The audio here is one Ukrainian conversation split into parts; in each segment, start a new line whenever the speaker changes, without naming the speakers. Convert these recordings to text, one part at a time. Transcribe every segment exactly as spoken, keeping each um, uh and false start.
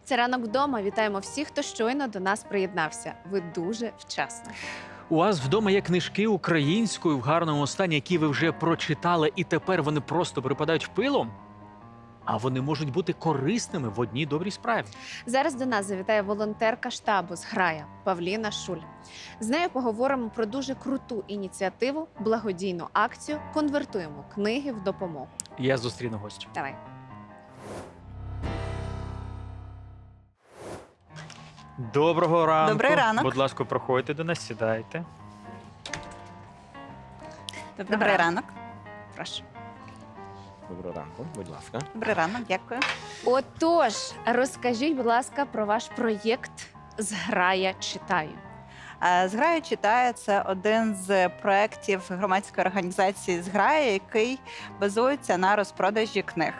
Це ранок вдома. Вітаємо всіх, хто щойно до нас приєднався. Ви дуже вчасно.
У вас вдома є книжки українською в гарному стані, які ви вже прочитали, і тепер вони просто припадають пилом? А вони можуть бути корисними в одній добрій справі.
Зараз до нас завітає волонтерка штабу з Грая Павліна Шуль. З нею поговоримо про дуже круту ініціативу, благодійну акцію «Конвертуємо книги в допомогу».
Я зустріну гостю.
Давай.
Доброго ранку.
Добрий ранок.
Будь ласка, проходьте до нас, сідайте.
Добрий ранок.
Прошу.
Доброго ранку, будь ласка.
Добрий ранок, дякую.
Отож, розкажіть, будь ласка, про ваш проєкт «З Грая читаю».
Е, «Зграя читає» – це один з проєктів громадської організації «Зграя», який базується на розпродажі книг.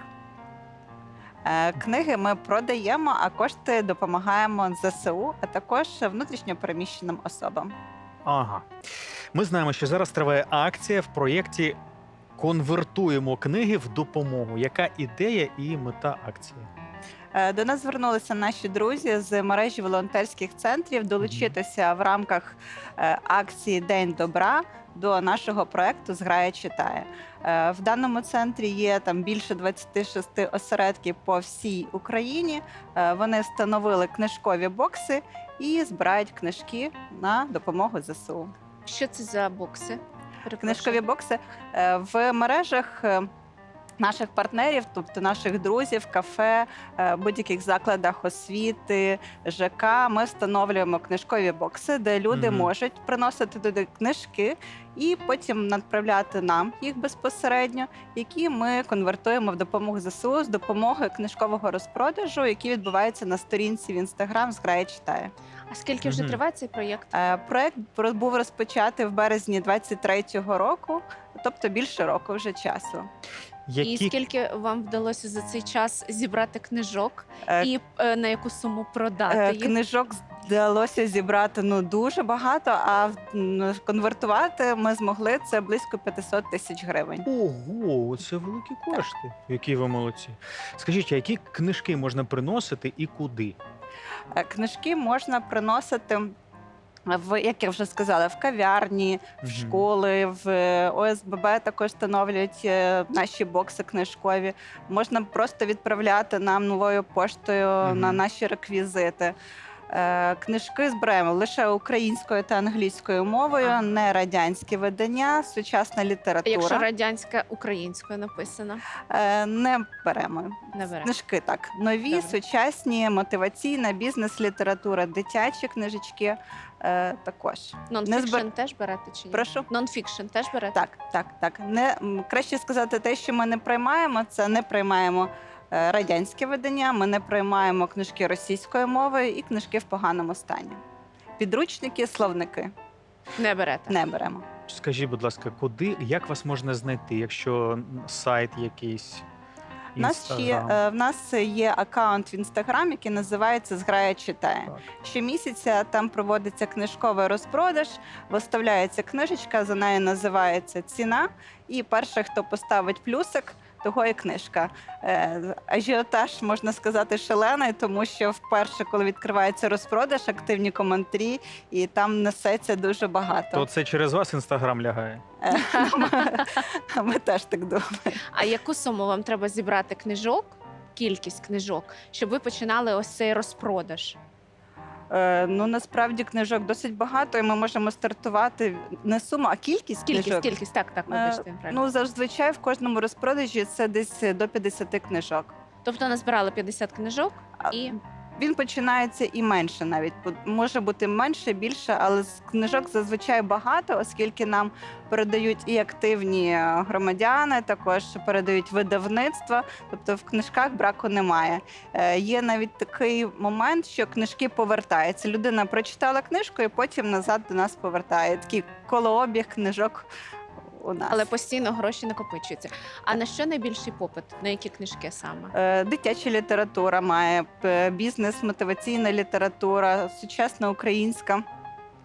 Е, Книги ми продаємо, а кошти допомагаємо зе се у, а також внутрішньо переміщеним особам.
Ага. Ми знаємо, що зараз триває акція в проєкті «Конвертуємо книги в допомогу». Яка ідея і мета акції?
Е, До нас звернулися наші друзі з мережі волонтерських центрів долучитися в рамках е, акції «День добра» до нашого проєкту «Зграя читає». Е, В даному центрі є там більше двадцяти шести осередків по всій Україні. Е, Вони встановили книжкові бокси і збирають книжки на допомогу зе се у.
Що це за бокси? Перепрошую.
Книжкові бокси е, в мережах е, наших партнерів, тобто наших друзів, кафе, е, будь-яких закладах освіти, ЖК, ми встановлюємо книжкові бокси, де люди
Мгм.
можуть приносити туди книжки і потім надправляти нам їх безпосередньо, які ми конвертуємо в допомогу зе се у з допомогою книжкового розпродажу, який відбувається на сторінці в Інстаграм «Зграя читає».
А скільки вже
Мгм.
триває цей проєкт?
Е, Проект про- був розпочатий в березні двадцять третього року, тобто більше року вже часу.
Які...
І скільки вам вдалося за цей час зібрати книжок?
Е,
І е, на яку суму продати
Е,
їх?
Книжок вдалося зібрати ну дуже багато, а м, конвертувати ми змогли це близько п'ятсот тисяч гривень.
Ого, це великі кошти. Які ви молодці. Скажіть, а які книжки можна приносити і куди?
Е, Книжки можна приносити в, як я вже сказала, в кав'ярні, в
Мгм.
школи, в е, о ес бе бе також встановлюють е, наші бокси книжкові. Можна просто відправляти нам новою поштою
Мгм.
на наші реквізити. Е, Книжки збираємо лише українською та англійською мовою,
Ага.
не радянські видання, сучасна
А
література.
якщо радянська українською написано,
Е, Не беремо.
не бере.
Книжки так. Нові,
Добре.
сучасні, мотиваційна, бізнес-література, дитячі книжечки е, також.
Нонфікшн
збер-
теж берете чи ні?
Прошу?
Нонфікшн теж берете?
Так, так, так. Не, м, краще сказати те, що ми не приймаємо, це не приймаємо е, радянське видання, ми не приймаємо книжки російською мовою і книжки в поганому стані. Підручники, словники
Не берете.
не беремо.
Скажіть, будь ласка, куди, як вас можна знайти, якщо сайт якийсь,
У нас, ще,
Інстаграм?
е, в нас є аккаунт в Інстаграм, який називається «Зграя читає».
Так.
Щомісяця там проводиться книжковий розпродаж, виставляється книжечка, за нею називається ціна, і перший, хто поставить плюсик, того і книжка. Е, Ажіотаж, можна сказати, шалений, тому що вперше, коли відкривається розпродаж, активні коментарі, і там несеться дуже багато.
То це через вас Інстаграм лягає?
Е, ми, ми теж так думаємо.
А яку суму вам треба зібрати книжок, кількість книжок, щоб ви починали ось цей розпродаж?
Е, Ну, насправді книжок досить багато, і ми можемо стартувати не суму, а кількість
Кількість,
книжок.
кількість, так, так,
Е,
вибачте. правильно.
Ну, зазвичай в кожному розпродажі це десь до п'ятдесят книжок.
Тобто назбирали п'ятдесят книжок
А
і
Він починається і менше навіть. Бо може бути менше, більше, але з книжок зазвичай багато, оскільки нам передають і активні е, громадяни, також передають видавництва, тобто в книжках браку немає. Е, Є навіть такий момент, що книжки повертаються. Людина прочитала книжку і потім назад до нас повертає. Такий колообіг книжок у нас.
але постійно гроші накопичуються. А на що найбільший попит? На які книжки саме?
Е, Дитяча література має, п- бізнес, мотиваційна література, сучасна українська.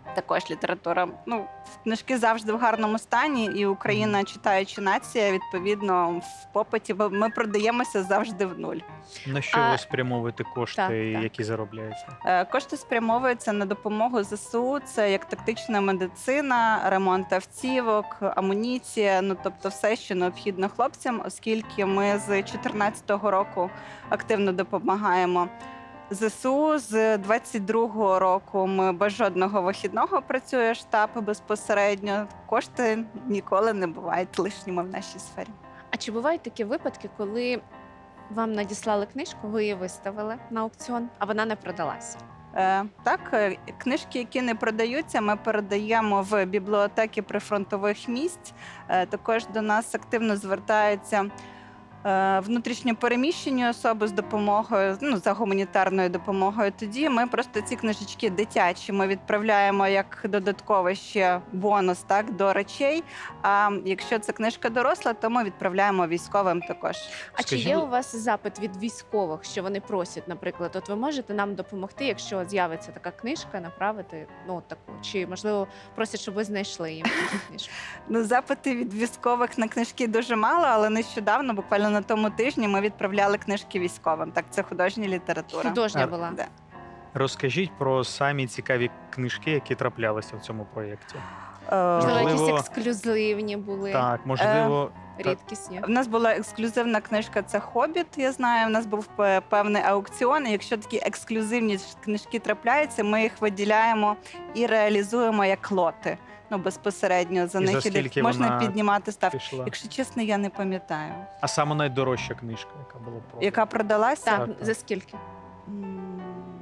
також література. Ну, книжки завжди в гарному стані, і Україна, читаюча нація, відповідно, в попиті бо ми продаємося завжди в нуль.
На що
А-
ви спрямовуєте кошти,
Так, так.
які заробляєте?
Е, Кошти спрямовуються на допомогу ЗСУ. Це як тактична медицина, ремонт автівок, амуніція. Ну тобто, все, що необхідно хлопцям, оскільки ми з чотирнадцятого року активно допомагаємо ЗСУ. З двадцять другого року ми без жодного вихідного працює штаб безпосередньо. Кошти ніколи не бувають лишніми в нашій сфері.
А чи бувають такі випадки, коли вам надіслали книжку, ви її виставили на аукціон, а вона не продалась?
Е, Так, е, книжки, які не продаються, ми передаємо в бібліотеки прифронтових місць. Е, Також до нас активно звертаються е, внутрішньо переміщені особи з допомогою, ну, за гуманітарною допомогою. Тоді ми просто ці книжечки дитячі ми відправляємо як додатковий ще бонус, так, до речей. А якщо це книжка доросла, то ми відправляємо військовим також.
А чи
Скажіть,
є
будь-
у вас запит від військових, що вони просять, наприклад, от ви можете нам допомогти, якщо з'явиться така книжка, направити ну таку, чи можливо просять, щоб ви знайшли їм таку книжку?
Ну, запити від військових на книжки дуже мало, але нещодавно, буквально на тому тижні, ми відправляли книжки військовим. Так, це художня література.
Художня
А,
була.
Да.
Розкажіть про самі цікаві книжки, які траплялися в цьому проєкті.
Е,
Можливо, якісь
Можливо,
ексклюзивні були,
Так, можливо,
рідкісні.
В нас була ексклюзивна книжка, це «Хобіт», я знаю. У нас був пе- певний аукціон. І якщо такі ексклюзивні ж книжки трапляються, ми їх виділяємо і реалізуємо як лоти. Ну, безпосередньо за
І за
них іде-
скільки
можна
вона
піднімати ставки.
пішла.
Якщо чесно, я не пам'ятаю.
А саме найдорожча книжка, яка була продана.
Яка продалася?
Так,
так, так.
за скільки?
М,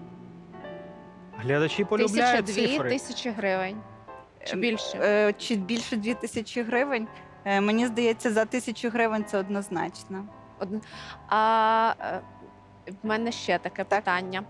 Глядачі
Тисяча
полюбляють
дві
цифри.
тисячі гривень. Чи більше?
Е, Чи більше дві тисячі гривень? Е, Мені здається, за тисячу гривень це однозначно.
Одне. А е, в мене ще таке
Так.
питання.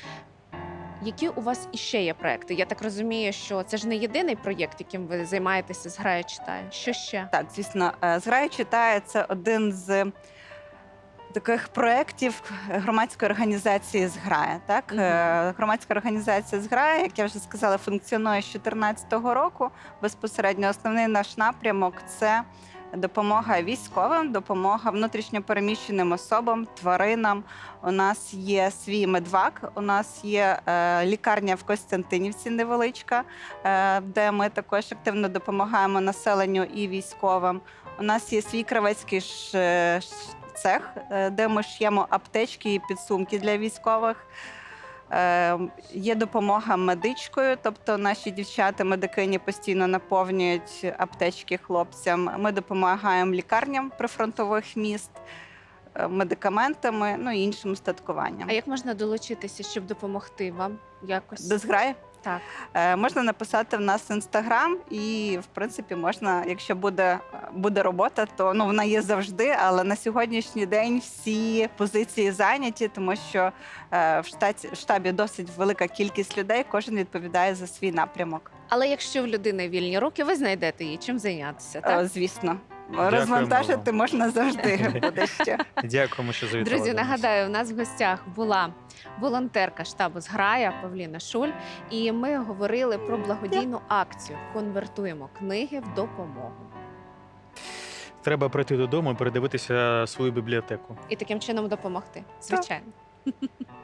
Які у вас іще є проекти? Я так розумію, що це ж не єдиний проєкт, яким ви займаєтеся з «Грає читає». Що ще?
Так, звісно, е, «Зграя читає» – це один з таких проєктів громадської організації «Зграя». Так?
Мгм.
Е, Громадська організація «Зграя», як я вже сказала, функціонує з дві тисячі чотирнадцятого року. Безпосередньо основний наш напрямок – це допомога військовим, допомога внутрішньопереміщеним особам, тваринам. У нас є свій медвак, у нас є е, лікарня в Костянтинівці невеличка, е, де ми також активно допомагаємо населенню і військовим. У нас є свій кравецький ш, ш, цех, е, де ми ш'ємо аптечки і підсумки для військових. Е, Є допомога медичкою, тобто наші дівчата-медикині постійно наповнюють аптечки хлопцям. Ми допомагаємо лікарням прифронтових міст е, медикаментами, ну і іншим устаткуванням.
А як можна долучитися, щоб допомогти вам якось?
До «Зграї»
Так.
Е, можна написати в нас в інстаграм, і в принципі можна, якщо буде, буде робота, то ну вона є завжди. Але на сьогоднішній день всі позиції зайняті, тому що е, в штаті в штабі досить велика кількість людей. Кожен відповідає за свій напрямок.
Але якщо в людини вільні руки, ви знайдете їй чим зайнятися, так?
Е, звісно,
Дякуємо
розвантажити
вам.
можна завжди. Буде ще.
Дякуємо, що завітали.
Друзі,
до нас.
нагадаю, у нас в гостях була волонтерка штабу «Зграя» Павліна Шуль, і ми говорили про благодійну акцію «Конвертуємо книги в допомогу».
Треба прийти додому і передивитися свою бібліотеку.
І таким чином допомогти, звичайно.